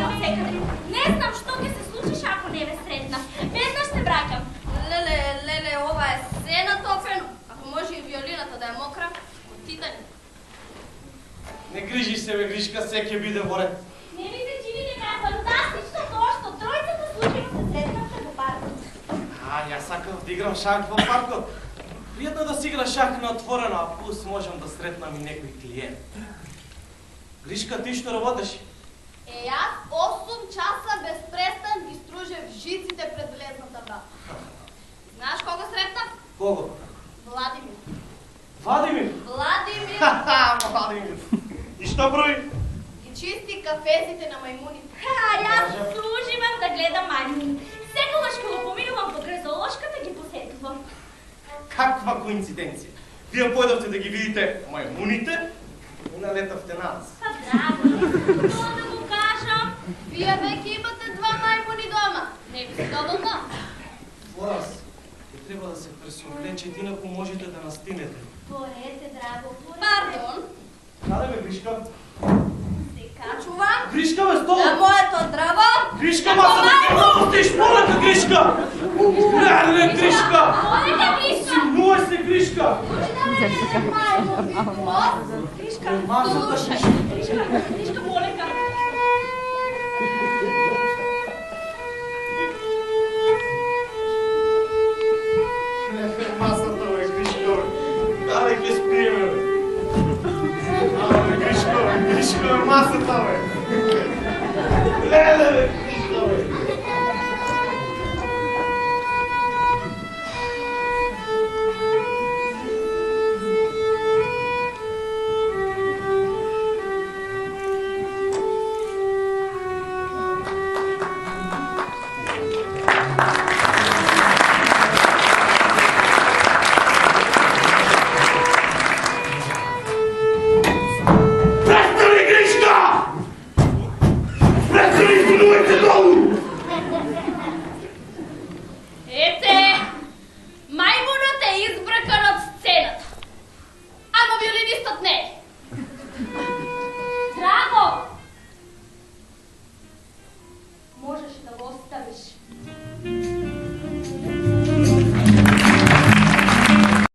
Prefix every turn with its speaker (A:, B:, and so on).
A: гледам од секаде. Не знам што ќе се случиш ако не ве сретнам. Веднаш се враќам.
B: Леле, ова е се натопено. Ако може и виолината да е мокра, од титани.
C: Не грижи се, бе, Гришка, се ќе биде во ред.
A: Не ми се чини дека е фантастично тоа што тројцата случајно се сретнавте во паркот.
C: Јас сакав да играм шах во паркот. Пријатно да си игра шах на отворено, а плюс можам да сретнам и некој клиент. Гришка, ти што работеш?
B: Јас 8 часа без престан ги стружев жиците пред влезната врата. Знаеш кого сретнав?
C: Кого?
B: Владимир.
C: Владимир? Владимир. И што брои?
B: Ги чисти кафезите на мајмуните.
A: Јас уживам да гледам мајмуни. Секогаш кога поминувам покрај зоолошката ги посетувам.
C: Каква коинциденција? Вие појдовте да ги видите мајмуните и налетавте на нас.
A: Па драго, тоа да го кажам.
B: Вие веќе имате 2 мајмуни дома. Не ви се доволно?
C: Форас, ќе треба да се пресоблечете, инаку можете да настинете.
A: Порете, драго, порете.
B: Пардон.
C: Каде бе, Гришка?
A: Дека.
B: Чувам.
C: Гришка, бе, стол!
B: На моето драво.
C: Гришка, маса да ти пропустиш, моля те, Гришка! Леле, Гришка!
A: Порете, Гришка!
C: Симнувай се, Гришка!
B: Гришка,
C: Масата,
B: слушај.
C: Гришка!